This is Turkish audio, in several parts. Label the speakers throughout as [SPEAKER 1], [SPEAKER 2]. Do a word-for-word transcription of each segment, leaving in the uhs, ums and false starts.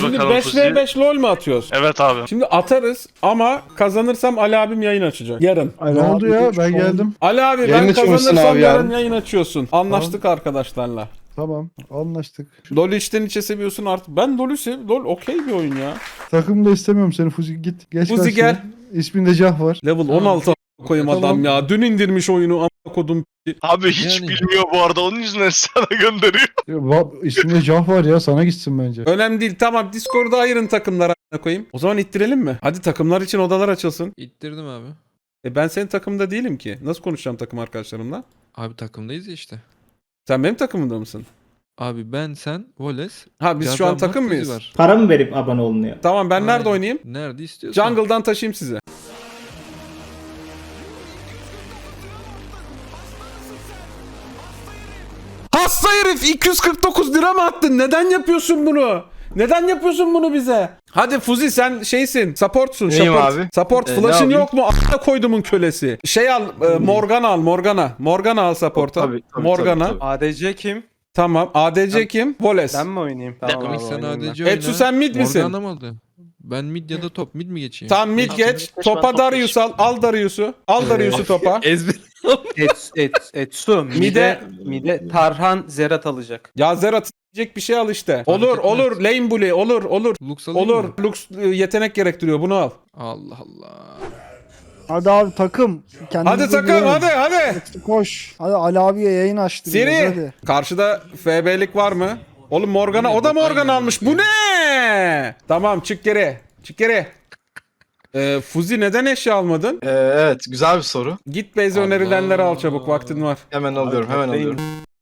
[SPEAKER 1] Şimdi
[SPEAKER 2] bakalım
[SPEAKER 1] beş
[SPEAKER 2] Fuzi'ye.
[SPEAKER 1] ve beş lol mu atıyoruz?
[SPEAKER 2] Evet abi.
[SPEAKER 1] Şimdi atarız ama kazanırsam Ali abim yayın açacak. Yarın.
[SPEAKER 3] Ne oldu ya? Ben geldim.
[SPEAKER 1] Ali abi
[SPEAKER 4] Yayın
[SPEAKER 1] ben
[SPEAKER 4] açıyormuşsun
[SPEAKER 1] kazanırsam
[SPEAKER 4] abi
[SPEAKER 1] yarın
[SPEAKER 4] yarın.
[SPEAKER 1] yayın açıyorsun. Anlaştık arkadaşlarla.
[SPEAKER 3] Tamam. Anlaştık.
[SPEAKER 1] LoL'ü içten içe seviyorsun artık. Ben LoL'ü sev. LoL okey bir oyun ya.
[SPEAKER 3] Takımda istemiyorum seni Fuzi. Git. Geç
[SPEAKER 1] Fuzi
[SPEAKER 3] karşıya.
[SPEAKER 1] gel.
[SPEAKER 3] İsminde Cah var.
[SPEAKER 1] Level on altı a- koyayım
[SPEAKER 3] Tamam.
[SPEAKER 1] adam ya. Dün indirmiş oyunu a**a kodum.
[SPEAKER 2] Abi hiç
[SPEAKER 5] Yani.
[SPEAKER 2] bilmiyor bu arada. Onun yüzünden sana gönderiyor.
[SPEAKER 3] Ya, va- İsminde Cah var ya. Sana gitsin bence.
[SPEAKER 1] Önemli değil. Tamam Discord'da ayırın takımlara a**a koyayım. O zaman ittirelim mi? Hadi takımlar için odalar açılsın.
[SPEAKER 5] İttirdim abi.
[SPEAKER 1] E ben senin takımda değilim ki. Nasıl konuşacağım takım arkadaşlarımla?
[SPEAKER 5] Abi takımdayız ya işte.
[SPEAKER 1] Sen benim takımımda mısın?
[SPEAKER 5] Abi ben, sen, Wallace.
[SPEAKER 1] Ha biz şu an
[SPEAKER 5] Yardan var,
[SPEAKER 1] takım
[SPEAKER 5] Fuzi
[SPEAKER 1] mıyız?
[SPEAKER 5] var.
[SPEAKER 6] Para mı verip abone olunuyor?
[SPEAKER 1] Tamam ben nerede
[SPEAKER 5] Aynen.
[SPEAKER 1] oynayayım?
[SPEAKER 5] Nerede istiyorsan.
[SPEAKER 1] Jungle'dan taşıyayım sizi. Hasta herif iki yüz kırk dokuz lira mı attın? Neden yapıyorsun bunu? Neden yapıyorsun bunu bize? Hadi Fuzi sen şeysin, supportsun.
[SPEAKER 4] Neyim
[SPEAKER 1] support.
[SPEAKER 4] abi?
[SPEAKER 1] Support
[SPEAKER 4] Ee, ne
[SPEAKER 1] flash'ın
[SPEAKER 4] alayım?
[SPEAKER 1] yok mu? A**a koydumun kölesi. Şey al, e, Morgana al, Morgana. Morgana al support'a.
[SPEAKER 4] Tabii, tabii,
[SPEAKER 1] Morgana.
[SPEAKER 4] tabii, tabii.
[SPEAKER 7] A D C kim?
[SPEAKER 1] Tamam. A D C
[SPEAKER 7] Ben-
[SPEAKER 1] kim? Voles.
[SPEAKER 7] Ben mi oynayayım? Tamam
[SPEAKER 5] Komik
[SPEAKER 7] abi
[SPEAKER 5] sen
[SPEAKER 7] oynayayım ben.
[SPEAKER 5] A D C oyna.
[SPEAKER 1] Etsu sen mid misin?
[SPEAKER 5] Morgana mı oldu? Ben mid ya da top. Mid mi geçeyim?
[SPEAKER 1] Tamam mid
[SPEAKER 2] Abi,
[SPEAKER 1] geç.
[SPEAKER 2] geç, ben
[SPEAKER 1] Topa
[SPEAKER 2] top
[SPEAKER 1] Darius al. Al Darius'u. Al Darius'u topa.
[SPEAKER 5] Ezber.
[SPEAKER 7] Et, et, Etsu.
[SPEAKER 1] Mide-
[SPEAKER 7] Mide, mide Tarhan Zerat alacak.
[SPEAKER 1] Ya Zerat diyecek bir şey al işte. Olur
[SPEAKER 5] etmez.
[SPEAKER 1] olur. Lane bully olur olur.
[SPEAKER 5] Lux alayım
[SPEAKER 1] Olur.
[SPEAKER 5] mı?
[SPEAKER 1] Lux e, yetenek gerektiriyor. Bunu al.
[SPEAKER 5] Allah Allah.
[SPEAKER 3] Hadi abi takım.
[SPEAKER 1] Hadi takım hadi hadi.
[SPEAKER 3] Koş. Hadi Ali abiye yayın açtı.
[SPEAKER 1] Siri. Karşıda F B'lik var mı? Oğlum Morgana. O da Morgana
[SPEAKER 5] Aynen.
[SPEAKER 1] almış. Bu ne? Tamam çık geri. Çık geri. Ee, Fuzi neden eşya almadın?
[SPEAKER 4] Ee, evet güzel bir soru.
[SPEAKER 1] Git base
[SPEAKER 5] Allah.
[SPEAKER 1] önerilenleri al çabuk. Vaktin var.
[SPEAKER 4] Hemen alıyorum hemen alıyorum.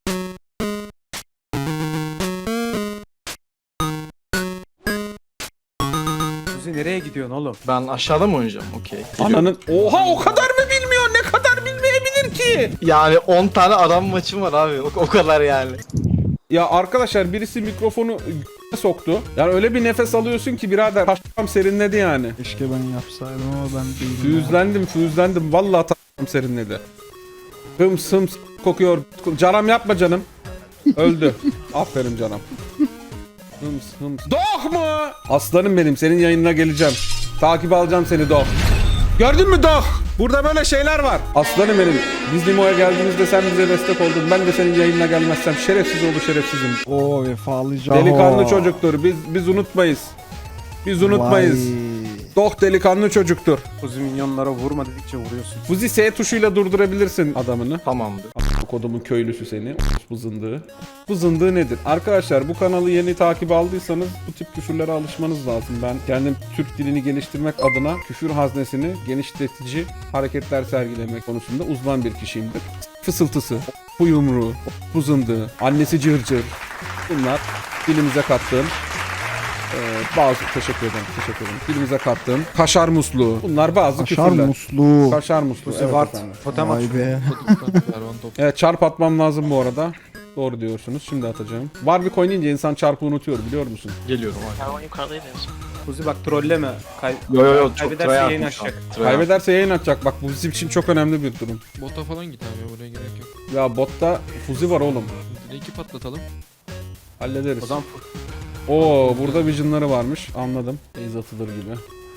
[SPEAKER 7] Kuzi nereye gidiyorsun oğlum?
[SPEAKER 4] Ben aşağıda mı oynayacağım? Okey.
[SPEAKER 1] Ananın. Oha o kadar mı bilmiyor? Ne kadar bilmeyebilir ki?
[SPEAKER 4] Yani on tane adam maçım var abi. O, o kadar yani.
[SPEAKER 1] Ya arkadaşlar birisi mikrofonu soktu. Yani öyle bir nefes alıyorsun ki birader taşlam serinledi yani.
[SPEAKER 3] Keşke ben yapsaydım ama ben değilim.
[SPEAKER 1] Füyüzlendim füyüzlendim. Vallahi taşlam serinledi. Hıms hıms kokuyor. Canım yapma canım. Öldü. Aferin canım. Hıms hıms. Doh mu? Aslanım benim senin yayınına geleceğim. Takip alacağım seni Doh. Gördün mü Doh? Burada böyle şeyler var. Aslanım benim. Biz Limo'ya geldiğimizde sen bize destek oldun. Ben de senin yayınına gelmezsem şerefsiz oldu şerefsizim.
[SPEAKER 3] Oo vefalı Caho.
[SPEAKER 1] Delikanlı çocuktur. Biz biz unutmayız. Biz unutmayız. Doh delikanlı çocuktur.
[SPEAKER 7] Kuzi minyonlara vurma dedikçe vuruyorsun.
[SPEAKER 1] Fuzi S tuşuyla durdurabilirsin adamını.
[SPEAKER 4] Tamamdır.
[SPEAKER 1] Bu kodumun köylüsü seni. Bu zındığı. Bu zındığı nedir? Arkadaşlar bu kanalı yeni takip aldıysanız bu tip küfürlere alışmanız lazım. Ben kendim Türk dilini geliştirmek adına küfür haznesini genişletici hareketler sergilemek konusunda uzman bir kişiyimdir. Fısıltısı, bu yumruğu, bu zındığı, annesi cırcır. Bunlar dilimize kattığım Ee, bazı teşekkür ederim teşekkür ederim. Dilimize kattığım kaşar musluğu. Bunlar bazı
[SPEAKER 3] Kaşar
[SPEAKER 1] küfürler.
[SPEAKER 3] musluğu.
[SPEAKER 1] Kaşar musluğu.
[SPEAKER 7] Kuzi
[SPEAKER 1] Evet
[SPEAKER 7] Vart.
[SPEAKER 1] efendim.
[SPEAKER 7] Totem at.
[SPEAKER 3] Vay be.
[SPEAKER 5] Pervan top.
[SPEAKER 1] Evet çarp atmam lazım bu arada. Doğru diyorsunuz. Şimdi atacağım. Warwick oynayınca insan çarpı unutuyor biliyor musun?
[SPEAKER 4] Geliyorum abi.
[SPEAKER 2] Pervan yukarıdaydı en son.
[SPEAKER 7] Kuzi bak trolleme. Kay
[SPEAKER 4] Yo yo yo çok
[SPEAKER 7] Kaybederse
[SPEAKER 4] try
[SPEAKER 7] yayın
[SPEAKER 4] atmış şu an.
[SPEAKER 7] açacak.
[SPEAKER 4] Try
[SPEAKER 1] Kaybederse yayın atacak. Bak bu bizim için çok önemli bir durum.
[SPEAKER 5] Bota falan git abi, buraya gerek yok.
[SPEAKER 1] Ya botta fuzi var oğlum.
[SPEAKER 5] Drake'i patlatalım.
[SPEAKER 1] Hallederiz.
[SPEAKER 7] o zaman
[SPEAKER 1] Oo burada vision'ları varmış. Anladım. Base atılır gibi.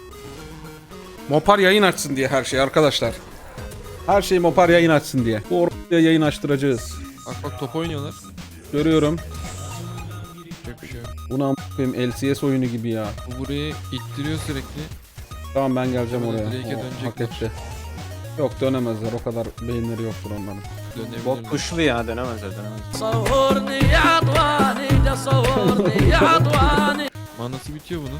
[SPEAKER 1] Mopar yayın açsın diye her şey arkadaşlar. Her şey Mopar yayın açsın diye. Bu oraya yayın açtıracağız.
[SPEAKER 5] Bak bak top oynuyorlar.
[SPEAKER 1] Görüyorum.
[SPEAKER 5] Çok bir şey yok.
[SPEAKER 1] Bunu am***yim L C S oyunu gibi ya.
[SPEAKER 5] Bu burayı ittiriyor sürekli.
[SPEAKER 1] Tamam ben geleceğim
[SPEAKER 5] Böyle
[SPEAKER 1] oraya.
[SPEAKER 5] Drake'e
[SPEAKER 1] O, hak
[SPEAKER 5] dönecekler.
[SPEAKER 1] etti. Yok dönemezler. O kadar beyinleri yoktur onların.
[SPEAKER 5] Dönebilirler.
[SPEAKER 7] bot pushlu ya dönemezler dönemezler.
[SPEAKER 8] صورني يا عطواني ده صورني يا عطواني
[SPEAKER 5] Manası bitiyor bunun.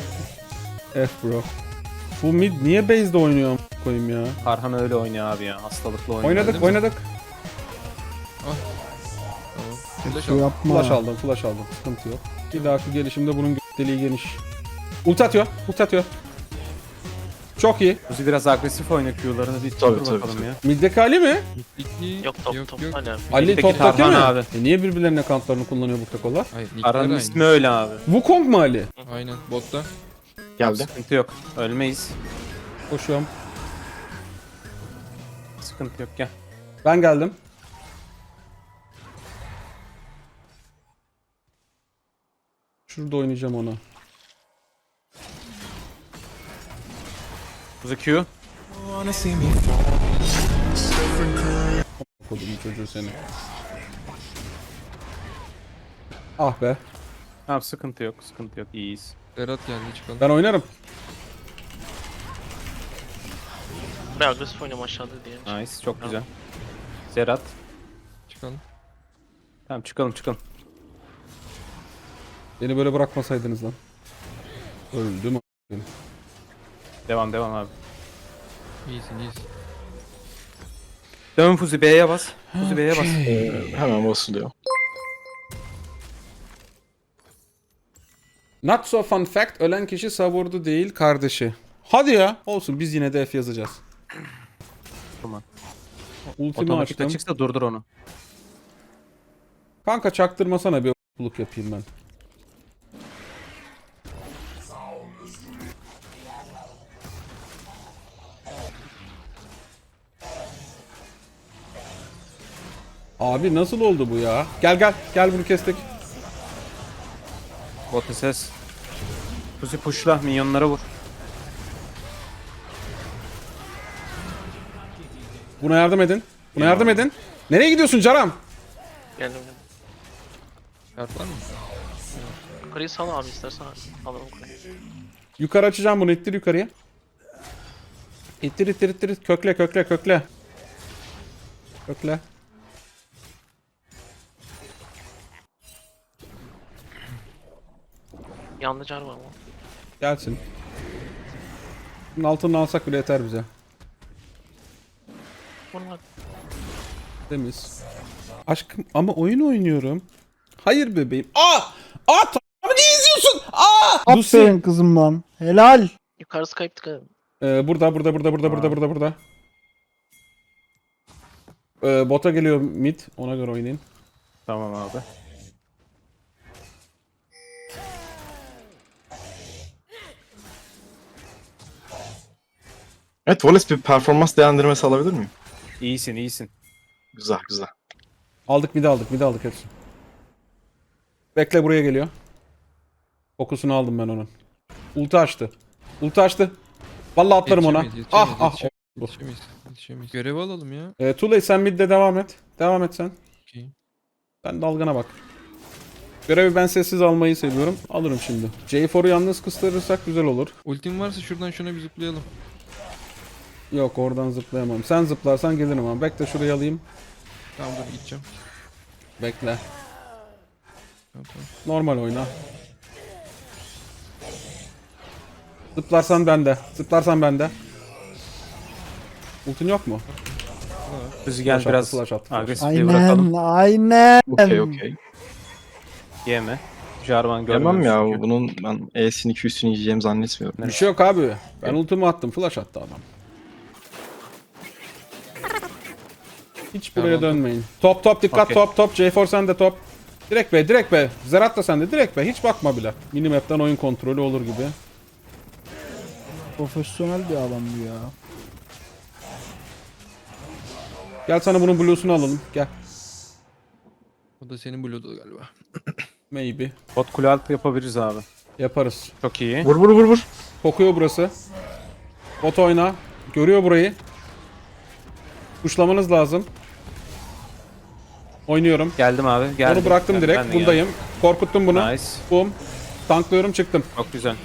[SPEAKER 1] F bro. Bu mid niye base'de oynuyor am- koyayım ya?
[SPEAKER 7] Tarhan öyle oynuyor abi ya. Hastalıklı oynuyor.
[SPEAKER 1] Oynadık
[SPEAKER 5] değil mi?
[SPEAKER 1] oynadık.
[SPEAKER 5] Tamam. Flash
[SPEAKER 3] Su
[SPEAKER 5] al.
[SPEAKER 3] yapma.
[SPEAKER 1] Flash aldım flash aldım. Sıkıntı yok. Bir dahaki gelişimde bunun gö- deliği geniş. Ulti atıyor. Ulti atıyor. Çok iyi.
[SPEAKER 7] Kuzi biraz agresif oynuyor Q'larını bir
[SPEAKER 4] Tabii,
[SPEAKER 7] dur
[SPEAKER 4] tabii,
[SPEAKER 7] bakalım
[SPEAKER 4] tabii.
[SPEAKER 7] ya.
[SPEAKER 1] Middeki Ali mi?
[SPEAKER 5] Middeki
[SPEAKER 2] Yok top
[SPEAKER 5] yok,
[SPEAKER 2] top
[SPEAKER 5] yok.
[SPEAKER 2] hala.
[SPEAKER 1] Ali
[SPEAKER 7] Middeki
[SPEAKER 1] toptaki mi?
[SPEAKER 7] Tarhan abi.
[SPEAKER 1] E niye birbirlerinin accountlarını kullanıyor bu takolar?
[SPEAKER 5] Hayır, nickler
[SPEAKER 7] Tarhan'ın
[SPEAKER 5] aynı.
[SPEAKER 7] ismi öyle abi.
[SPEAKER 1] Wukong mu Ali?
[SPEAKER 5] Aynen botta.
[SPEAKER 4] Geldi.
[SPEAKER 7] Sıkıntı yok. Ölmeyiz.
[SPEAKER 1] Koşuyorum.
[SPEAKER 7] Sıkıntı yok gel.
[SPEAKER 1] Ben geldim. Şurada oynayacağım onu.
[SPEAKER 7] Kuzu Q.
[SPEAKER 1] Kodum çocuğu seni. Ah be.
[SPEAKER 7] Tamam sıkıntı yok sıkıntı yok iyiyiz.
[SPEAKER 5] Berat geldi çıkalım.
[SPEAKER 1] Ben oynarım.
[SPEAKER 2] Ben agresif oynuyorum aşağıda diye.
[SPEAKER 7] Nice çok güzel. Zerat.
[SPEAKER 5] Çıkalım.
[SPEAKER 7] Tamam çıkalım çıkalım.
[SPEAKER 1] Beni böyle bırakmasaydınız lan. Öldüm. a**.
[SPEAKER 7] Devam devam abi.
[SPEAKER 5] İyisin iyisin.
[SPEAKER 7] Dön Fuzi B'ye bas. Fuzi B'ye bas.
[SPEAKER 4] Hemen basılıyor.
[SPEAKER 1] Not so fun fact. Ölen kişi savurdu değil kardeşi. Hadi ya. Olsun biz yine de F yazacağız.
[SPEAKER 7] Tamam.
[SPEAKER 1] Ultimi
[SPEAKER 7] Otomatik
[SPEAKER 1] açtım.
[SPEAKER 7] açıksa durdur onu.
[SPEAKER 1] Kanka çaktırmasana bir buluk yapayım ben. Abi nasıl oldu bu ya? Gel gel gel bunu kestik.
[SPEAKER 7] Bot ses. Fuzi pushla minyonlara vur.
[SPEAKER 1] Buna yardım edin. Buna yardım edin. Nereye gidiyorsun Caram?
[SPEAKER 2] Geldim geldim.
[SPEAKER 5] Kart var mı?
[SPEAKER 2] Yukarıyı sal abi istersen alalım yukarıyı.
[SPEAKER 1] Yukarı açacağım bunu. İttir yukarıya. İttir ittir ittir. Kökle kökle kökle. Kökle.
[SPEAKER 2] Yanında car var ama.
[SPEAKER 1] Gelsin. Bunun altını alsak bile yeter bize.
[SPEAKER 2] Bunlar
[SPEAKER 1] Temiz. Aşkım ama oyun oynuyorum. Hayır bebeğim. Aa! Aa! Tamam niye izliyorsun? Aa! Lucy.
[SPEAKER 3] Aferin kızım lan. Helal.
[SPEAKER 2] yukarısı kayıp dikkat edin.
[SPEAKER 1] Ee, burada burada burada burada burada burada burada. Ee, bota geliyor mid. Ona göre oynayın.
[SPEAKER 7] Tamam abi.
[SPEAKER 6] Evet, Wallace bir performans değerlendirmesi alabilir miyim?
[SPEAKER 7] İyisin iyisin.
[SPEAKER 6] Güzel güzel.
[SPEAKER 1] Aldık mid aldık mid aldık hepsi. Bekle buraya geliyor. Fokusunu aldım ben onun. Ulti açtı. Ulti açtı. Vallahi atlarım ona.
[SPEAKER 5] Yetişemeyiz,
[SPEAKER 1] Ah
[SPEAKER 5] yetişemeyiz,
[SPEAKER 1] ah.
[SPEAKER 5] yetişemeyiz, Yetişemeyiz. Yetişemeyiz. Görev alalım ya.
[SPEAKER 1] Ee, Tulay sen midde devam et. Devam et sen.
[SPEAKER 5] Okey.
[SPEAKER 1] Ben dalgana bak. Görevi ben sessiz almayı seviyorum. Alırım şimdi. J four'u yalnız kıstırırsak güzel olur.
[SPEAKER 5] Ultim varsa şuradan şuna bir zıplayalım.
[SPEAKER 1] Yok oradan zıplayamam. Sen zıplarsan gelirim ama. Bekle şurayı alayım.
[SPEAKER 5] Tamam dur gideceğim.
[SPEAKER 1] Bekle.
[SPEAKER 5] Tamam, tamam.
[SPEAKER 1] Normal oyna. Zıplarsan bende. Zıplarsan bende. Ultin yok mu?
[SPEAKER 7] Fuzi gel
[SPEAKER 1] Flash attı,
[SPEAKER 7] biraz
[SPEAKER 1] flash attı, flash.
[SPEAKER 7] agresifliği bırakalım.
[SPEAKER 3] Aynen aynen.
[SPEAKER 6] Okey okey.
[SPEAKER 7] Yeme. Jarvan görmüyoruz.
[SPEAKER 6] Yemem ya
[SPEAKER 7] çünkü.
[SPEAKER 6] bunun ben E'sini Q'sünü yiyeceğimi zannetmiyorum.
[SPEAKER 1] Bir şey yok abi. Ben ultimi attım. Flash attı adam. Hiç buraya
[SPEAKER 5] Tamam.
[SPEAKER 1] dönmeyin. Top top dikkat
[SPEAKER 7] Okey.
[SPEAKER 1] top top. J four sende top. Direkt be direkt be. Zerat da sende direkt be. Hiç bakma bile. Minimap'ten oyun kontrolü olur gibi.
[SPEAKER 3] Profesyonel bir adam bu ya.
[SPEAKER 1] Gel sana bunun blue'sunu alalım. Gel.
[SPEAKER 5] O da senin blue'du galiba.
[SPEAKER 1] Maybe.
[SPEAKER 7] Bot kule altı yapabiliriz abi.
[SPEAKER 1] Yaparız.
[SPEAKER 7] Çok iyi.
[SPEAKER 6] Vur vur vur vur.
[SPEAKER 1] Kokuyor burası. Bot oyna. Görüyor burayı. Kuşlamanız lazım. Oynuyorum.
[SPEAKER 7] Geldim abi. Geldim.
[SPEAKER 1] Onu bıraktım
[SPEAKER 7] Ben-
[SPEAKER 1] direkt.
[SPEAKER 7] ben de
[SPEAKER 1] Bundayım. Korkuttum bunu.
[SPEAKER 7] geldim. Nice.
[SPEAKER 1] Boom. Tanklıyorum çıktım.
[SPEAKER 7] Çok güzel.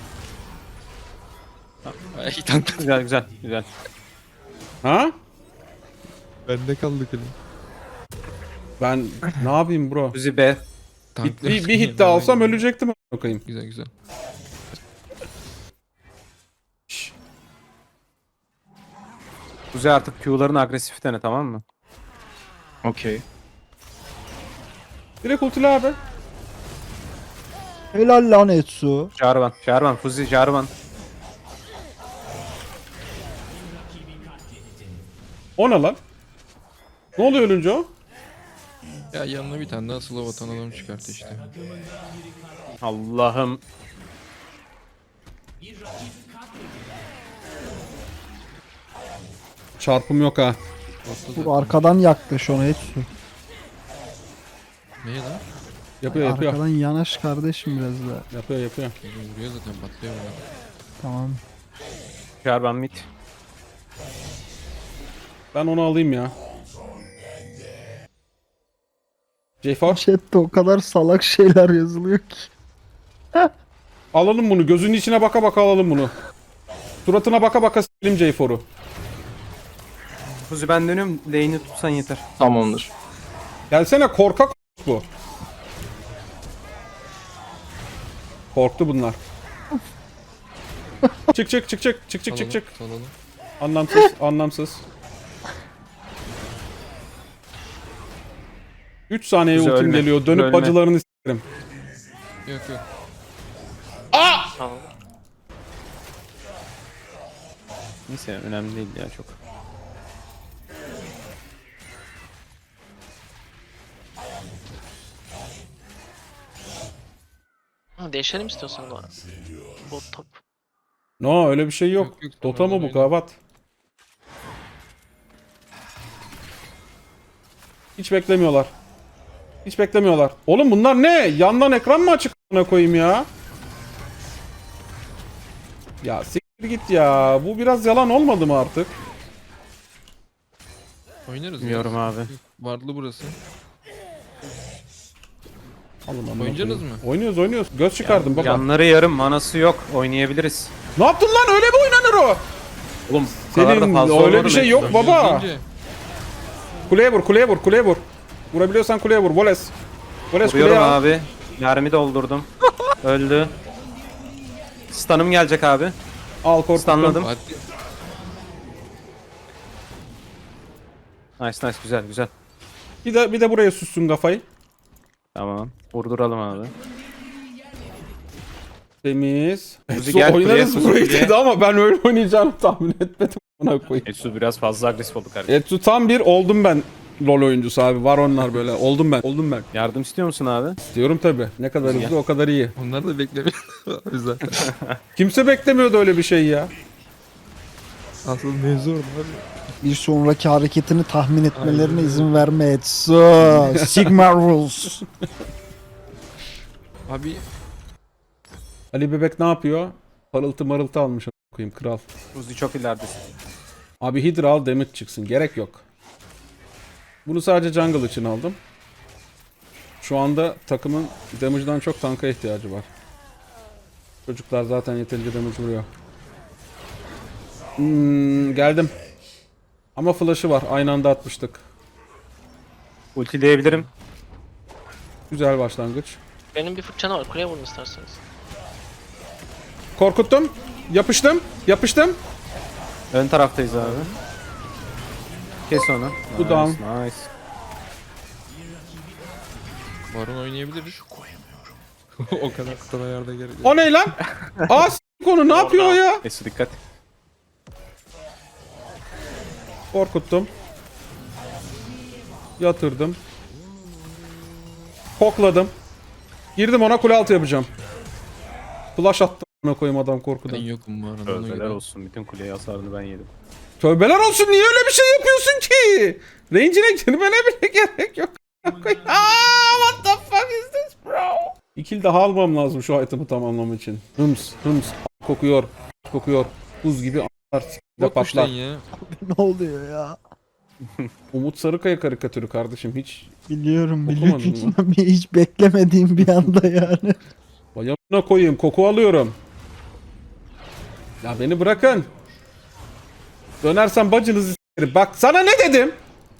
[SPEAKER 5] Ay tank.
[SPEAKER 7] Güzel güzel güzel.
[SPEAKER 1] Ha?
[SPEAKER 5] Bende kaldı kule.
[SPEAKER 1] Ben ne yapayım bro?
[SPEAKER 7] Fuzi B.
[SPEAKER 1] Bir, bir, bir hit de alsam ölecektim. Bakayım.
[SPEAKER 5] Güzel güzel.
[SPEAKER 7] Fuzi artık Q'larını agresif dene tamam mı?
[SPEAKER 6] Okey.
[SPEAKER 1] Direkt ultili abi.
[SPEAKER 3] Helal lan Etsu.
[SPEAKER 7] Jarvan. Jarvan. Fuzi Jarvan.
[SPEAKER 1] O ne lan? Ne oluyor ölünce o?
[SPEAKER 5] Ya yanına bir tane daha slow atan adam çıkarttı işte.
[SPEAKER 7] Allah'ım.
[SPEAKER 1] Çarpım yok ha.
[SPEAKER 5] Botla
[SPEAKER 3] Bu arkadan yaklaş ona Etsu.
[SPEAKER 5] Neye lan?
[SPEAKER 1] Yapıyor yapıyor.
[SPEAKER 3] Arkadan yanaş kardeşim biraz daha.
[SPEAKER 1] Yapıyor yapıyor.
[SPEAKER 5] Vuruyor zaten patlıyor bana.
[SPEAKER 3] Tamam.
[SPEAKER 7] Çıkar ben mid.
[SPEAKER 1] Ben onu alayım ya. J-For.
[SPEAKER 3] Chat'te o kadar salak şeyler yazılıyor ki.
[SPEAKER 1] Alalım bunu. Gözünün içine baka baka alalım bunu. Suratına baka baka s**elim J-For'u.
[SPEAKER 7] Kuzi ben dönüyorum. Lane'i tutsan yeter.
[SPEAKER 6] Tamamdır.
[SPEAKER 1] Gelsene korkak bu. Korktu bunlar. Çık çık çık çık çık çık çık çık.
[SPEAKER 5] Salalım.
[SPEAKER 1] Anlamsız anlamsız. üç saniye
[SPEAKER 7] Güzel,
[SPEAKER 1] ultim
[SPEAKER 7] ölme.
[SPEAKER 1] geliyor. Dönüp
[SPEAKER 7] Ölme.
[SPEAKER 1] bacılarını s**erim.
[SPEAKER 5] Yok yok.
[SPEAKER 2] Tamam.
[SPEAKER 7] Neyse önemli değil ya çok.
[SPEAKER 2] Ha, değişelim istiyorsan da. Bot top.
[SPEAKER 1] No öyle bir şey yok.
[SPEAKER 5] Yok, yok,
[SPEAKER 1] Dota
[SPEAKER 5] tamam,
[SPEAKER 1] mı bu
[SPEAKER 5] öyle.
[SPEAKER 1] kavat? Hiç beklemiyorlar. Hiç beklemiyorlar. Oğlum bunlar ne? Yandan ekran mı açık a**ına koyayım ya? Ya siktir git ya. Bu biraz yalan olmadı mı artık?
[SPEAKER 5] Oynarız
[SPEAKER 7] Bilmiyorum
[SPEAKER 5] ya.
[SPEAKER 7] abi.
[SPEAKER 5] Varlı burası.
[SPEAKER 1] Alın amına
[SPEAKER 5] Oynayacaksınız
[SPEAKER 1] koyayım.
[SPEAKER 5] mı?
[SPEAKER 1] Oynuyoruz oynuyoruz. Göz çıkardım baba.
[SPEAKER 7] Yanları yarım, manası yok. Oynayabiliriz.
[SPEAKER 1] Ne yaptın lan? Öyle mi oynanır o?
[SPEAKER 7] Oğlum bu kadar da
[SPEAKER 1] Senin
[SPEAKER 7] fazla
[SPEAKER 1] öyle
[SPEAKER 7] olur
[SPEAKER 1] bir şey
[SPEAKER 7] mu?
[SPEAKER 1] yok baba.
[SPEAKER 5] Oynuyoruz deyince
[SPEAKER 1] Kuleye vur, kuleye vur, kuleye vur. Vurabiliyorsan kuleye vur. Voles. Voles kuleye
[SPEAKER 7] Vuruyorum
[SPEAKER 1] al.
[SPEAKER 7] abi. Mermi doldurdum. Öldü. Stun'ım gelecek abi.
[SPEAKER 1] Al korkuttum.
[SPEAKER 7] Stunladım.
[SPEAKER 5] Fatih,
[SPEAKER 7] Nice nice güzel güzel.
[SPEAKER 1] Bir de bir de buraya süssün kafayı.
[SPEAKER 7] Tamam. Vurduralım abi.
[SPEAKER 1] Temiz.
[SPEAKER 7] Kuzi
[SPEAKER 1] Su
[SPEAKER 7] gel kuleye,
[SPEAKER 1] oynarız
[SPEAKER 7] Kuzi
[SPEAKER 1] burayı
[SPEAKER 7] kuleye.
[SPEAKER 1] dedi ama ben öyle oynayacağını tahmin etmedim. Buna koyayım.
[SPEAKER 7] Etsu biraz fazla agresif oldu kardeşim.
[SPEAKER 1] Etsu tam bir oldum ben LoL oyuncusu abi. Var onlar böyle. Oldum ben. Oldum ben.
[SPEAKER 7] Yardım istiyor musun abi?
[SPEAKER 1] Diyorum tabi. Ne kadar
[SPEAKER 7] Gel.
[SPEAKER 1] hızlı o kadar iyi.
[SPEAKER 5] onlar da beklemiyor abi zaten.
[SPEAKER 1] Kimse beklemiyordu öyle bir şey ya.
[SPEAKER 5] Asıl mevzu orada abi.
[SPEAKER 3] Bir sonraki hareketini tahmin etmelerine izin verme Etsu. Sigma rules.
[SPEAKER 5] Abi
[SPEAKER 1] Ali Bebek ne yapıyor? Parıltı marıltı almış. a**ına koyayım kral.
[SPEAKER 7] Kuzi çok ileridesin.
[SPEAKER 1] Abi Hydra al damage çıksın. Gerek yok. Bunu sadece jungle için aldım. Şu anda takımın damage'dan çok tanka ihtiyacı var. Çocuklar zaten yeterince damage vuruyor. Hmm, geldim. Ama flash'ı var. Aynı anda atmıştık.
[SPEAKER 7] Ultileyebilirim.
[SPEAKER 1] Güzel başlangıç.
[SPEAKER 2] Benim bir fırçana var. Kuleye vurun isterseniz.
[SPEAKER 1] Korkuttum. Yapıştım. Yapıştım.
[SPEAKER 7] Ön taraftayız abi. Kes onu.
[SPEAKER 1] Bu
[SPEAKER 7] Nice,
[SPEAKER 1] down.
[SPEAKER 7] Nice.
[SPEAKER 5] Baron oynayabiliriz. O kadar kıtana yarda gerek yok.
[SPEAKER 1] O ne lan? Aa s*** konu ne yapıyor o ya?
[SPEAKER 7] Etsu dikkat.
[SPEAKER 1] Korkuttum. Yatırdım. Kokladım. Girdim ona kule altı yapacağım. Flash attım. Ona koyayım adam
[SPEAKER 5] Ben
[SPEAKER 1] korkudan.
[SPEAKER 5] yokum bu arada. ona
[SPEAKER 7] Tövbeler
[SPEAKER 5] göre.
[SPEAKER 7] olsun. Bütün kuleye hasarını ben yedim.
[SPEAKER 1] Tövbeler olsun niye öyle bir şey yapıyorsun ki? Range'ine girmene bile gerek yok. Aa, what the fuck is this bro? İkil daha almam lazım şu item'ı tamamlamak için. Hıms hıms kokuyor. Kokuyor. Buz gibi a**lar s**de
[SPEAKER 5] Bot
[SPEAKER 1] patlar.
[SPEAKER 5] kuşlayın ya.
[SPEAKER 3] Ne oluyor ya?
[SPEAKER 1] Umut Sarıkaya karikatürü kardeşim hiç.
[SPEAKER 3] Biliyorum
[SPEAKER 1] Okumadın
[SPEAKER 3] biliyorum. Hiç beklemediğim bir anda yani.
[SPEAKER 1] Bayamına koyayım koku alıyorum. Ya beni bırakın. Dönersen bacınızı s**erim. Bak sana ne dedim?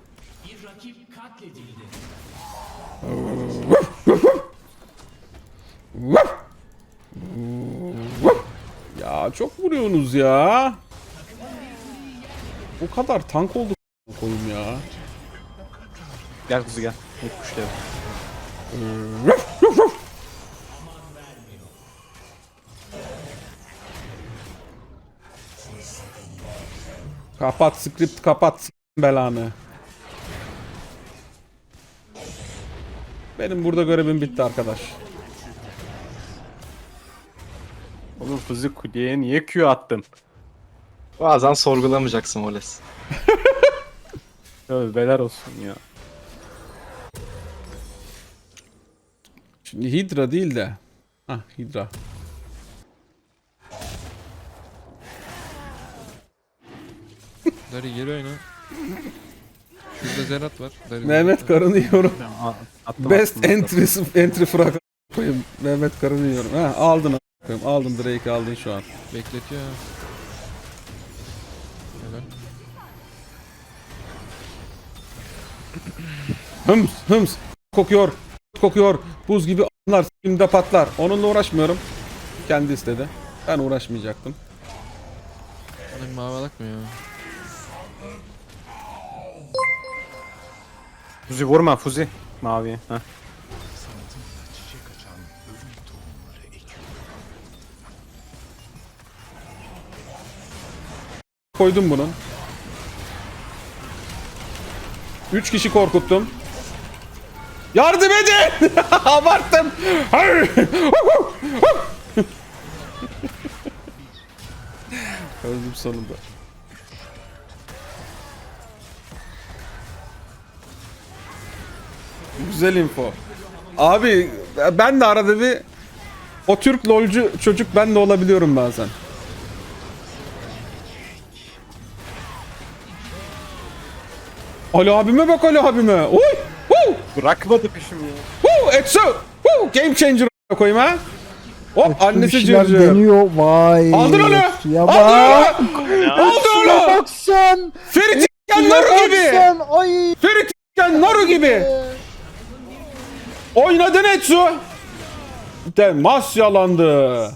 [SPEAKER 1] Ya çok vuruyorsunuz ya. Bu kadar tank oldu koyayım ya.
[SPEAKER 7] Gel kuzu gel. Hep kuşlayalım.
[SPEAKER 1] Kapat script kapat s*** belanı. Benim burada görevim bitti arkadaş.
[SPEAKER 7] Oğlum kuzu kuleye niye Q attın?
[SPEAKER 6] Bazen sorgulamayacaksın Voles.
[SPEAKER 7] Tövbeler olsun ya.
[SPEAKER 1] Şimdi Hydra değil de. Hah Hydra.
[SPEAKER 5] Dari geri oyna. Şurada Zerat var. Dari
[SPEAKER 1] Mehmet
[SPEAKER 5] Zerat.
[SPEAKER 1] karını yiyorum.
[SPEAKER 7] A- attım,
[SPEAKER 1] Best
[SPEAKER 7] attım,
[SPEAKER 1] entry entry frag koyayım. Mehmet karını yiyorum. Ha aldın a**ayım. Aldın Drake'i aldın şu an.
[SPEAKER 5] Bekletiyor ha. Helal.
[SPEAKER 1] Hıms hıms kokuyor. Kokuyor. Buz gibi a**lar s**imde patlar. Onunla uğraşmıyorum. Kendi istedi. Ben uğraşmayacaktım.
[SPEAKER 5] Bana bir mavi alak mı ya?
[SPEAKER 7] Fuzi vurma Fuzi. Maviye. Heh.
[SPEAKER 1] Koydum bunun. Üç kişi korkuttum. Yardım edin! Abarttım. Öldüm sonunda. Güzel info. Abi ben de arada bir o Türk lolcu çocuk ben de olabiliyorum bazen. Ali abime bak Ali abime. Uy! Woo!
[SPEAKER 7] Bırakmadı peşimi ya.
[SPEAKER 1] Woo! Etsu! Woo! Game changer koyayım ha. Hop
[SPEAKER 3] Etsu bir
[SPEAKER 1] annesi
[SPEAKER 3] şeyler
[SPEAKER 1] cırcır.
[SPEAKER 3] deniyor. Vay.
[SPEAKER 1] Aldın onu!
[SPEAKER 3] Etsu'ya
[SPEAKER 1] Aldın
[SPEAKER 3] bak.
[SPEAKER 1] onu! Aldın
[SPEAKER 3] Şuna
[SPEAKER 1] onu!
[SPEAKER 3] bak sen.
[SPEAKER 1] Ferit İkken
[SPEAKER 3] Şuna
[SPEAKER 1] Naru
[SPEAKER 3] bak
[SPEAKER 1] gibi!
[SPEAKER 3] sen. Ay.
[SPEAKER 1] Ferit İkken Naru gibi! Oynadın Etsu! Temas yalandı.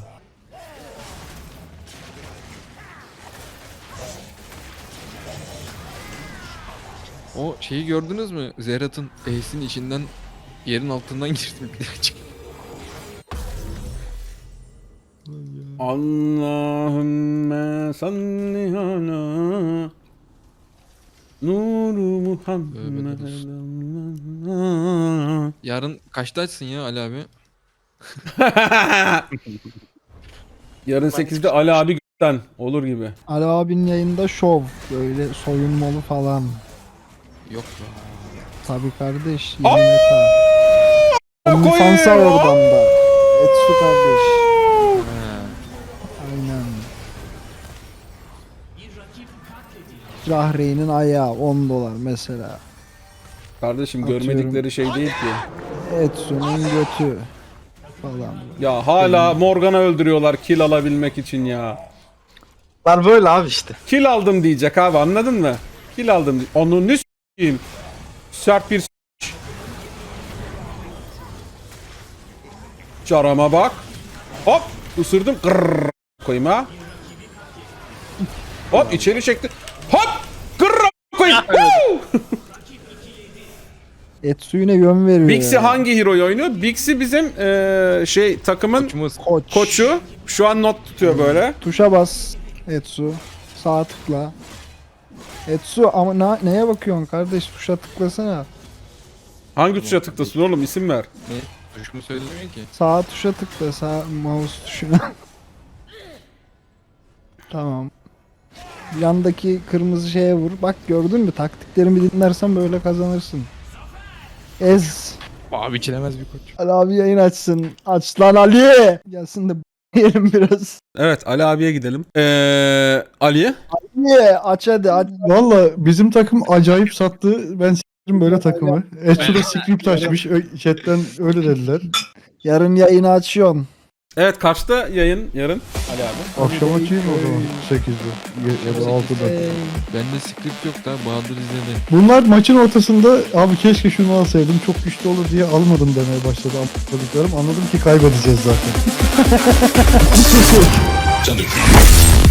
[SPEAKER 5] O şeyi gördünüz mü? Zerat'ın Ace'in içinden yerin altından girdim.
[SPEAKER 1] Allahümme salli ala Nuru Muhammed.
[SPEAKER 5] Yarın kaçta açsın ya Ali abi?
[SPEAKER 1] Yarın sekizde Ali abi gökten olur gibi.
[SPEAKER 3] Ali abinin yayında şov. Böyle soyunmalı falan.
[SPEAKER 5] Yok be.
[SPEAKER 3] Tabii kardeş. yirmi K. OnlyFans'a
[SPEAKER 1] koyayım.
[SPEAKER 3] oradan da. Etsu kardeş.
[SPEAKER 5] Ha.
[SPEAKER 3] Aynen. Rahreyn'in ayağı on dolar mesela.
[SPEAKER 1] Kardeşim
[SPEAKER 3] Atıyorum.
[SPEAKER 1] görmedikleri şey değil ki.
[SPEAKER 3] Etsu'nun götü falan.
[SPEAKER 1] Ya hala Morgan'a öldürüyorlar kill alabilmek için ya.
[SPEAKER 6] Var böyle abi işte.
[SPEAKER 1] Kill aldım diyecek abi anladın mı? Kill aldım. di- Onu ne s**eyim? Sert bir s**. Carama bak. Hop ısırdım. Kırrrr koyayım ha. Hop içeri çekti. Hop kırrrr koyayım. Woo!
[SPEAKER 3] Etsu yine yön veriyor.
[SPEAKER 1] Bixi
[SPEAKER 3] ya.
[SPEAKER 1] hangi hero'yu oynuyor? Bixi bizim eee, şey takımın
[SPEAKER 5] Uçumuz.
[SPEAKER 3] Koç.
[SPEAKER 1] koçu. Şu an not tutuyor böyle.
[SPEAKER 3] Tuşa bas Etsu. Sağ tıkla. Etsu ama na- neye bakıyorsun kardeş? Tuşa tıklasana.
[SPEAKER 1] Hangi tuşa tıklasın oğlum isim ver.
[SPEAKER 5] Ne? Tuşumu söylemiyor ki.
[SPEAKER 3] Sağ tuşa tıkla. Sağ mouse tuşuna. Tamam. Yandaki kırmızı şeye vur. Bak gördün mü? Taktiklerimi dinlersen böyle kazanırsın. Ez.
[SPEAKER 5] Abi içilemez bir koç.
[SPEAKER 3] Ali abi yayın açsın. Aç lan Ali. Gelsin de yiyelim biraz.
[SPEAKER 1] Evet Ali abiye gidelim. Eee Ali.
[SPEAKER 3] Ye aç hadi aç.
[SPEAKER 9] Valla bizim takım acayip sattı. Ben s**tim böyle takımı. Etsu da script açmış. Ö- Chatten öyle dediler.
[SPEAKER 3] Yarın yayını açıyorsun.
[SPEAKER 1] Evet kaçta yayın yarın Ali abi?
[SPEAKER 9] Akşam açayım o zaman. sekizde ya, ya da altıda.
[SPEAKER 3] Ey.
[SPEAKER 5] Bende script yok da Bahadır izledi.
[SPEAKER 9] Bunlar maçın ortasında abi keşke şunu alsaydım çok güçlü olur diye almadım demeye başladı anladıklarım. Anladım ki kaybedeceğiz zaten.